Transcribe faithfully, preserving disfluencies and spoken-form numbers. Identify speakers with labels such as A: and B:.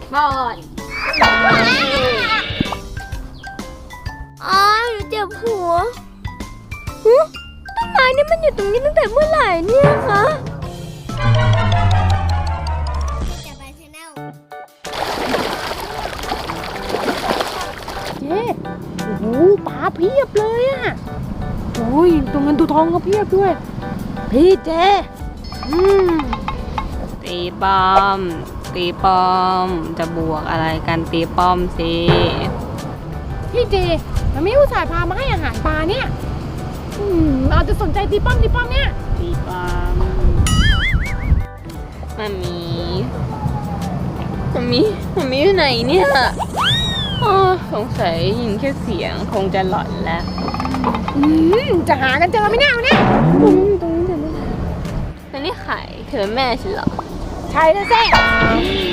A: บอดอ๋อหนูเจ็บหัวหูต้นไม้นี่มันอยู่ตรงนี้ตั้งแต่เมื่อไหร่เนี่ยคะจะไปชาแนล
B: เจ๊โอ้โหปลาเพียบเลยอ่ะโอ้ยตัวเงินตัวทองก็เพียบด้วยพี่เจ๊อืม
C: ตีป้อมตีป้อมจะบวกอะไรกันตีป้อมสิ
B: พี่เจมันไม่อุตส่าห์พามาให้อาหารปลาเนี่ยอืมเราจะสนใจตีป้อมตีป้อมเนี่ย
C: ตีป้อมมันมีมันมีมันมีอยู่ไหนเนี่ยอ๋อสงสัยยินแค่เสียงคงจะหลอนแล้ว
B: อืมจะหากันเจอไหมเนี่ยวันนี้
C: ตรงนี้เดี๋ยวนี้แล้วนี่ไข่เธอแม่ฉันเหรอ
B: ใช่แล้วเซ่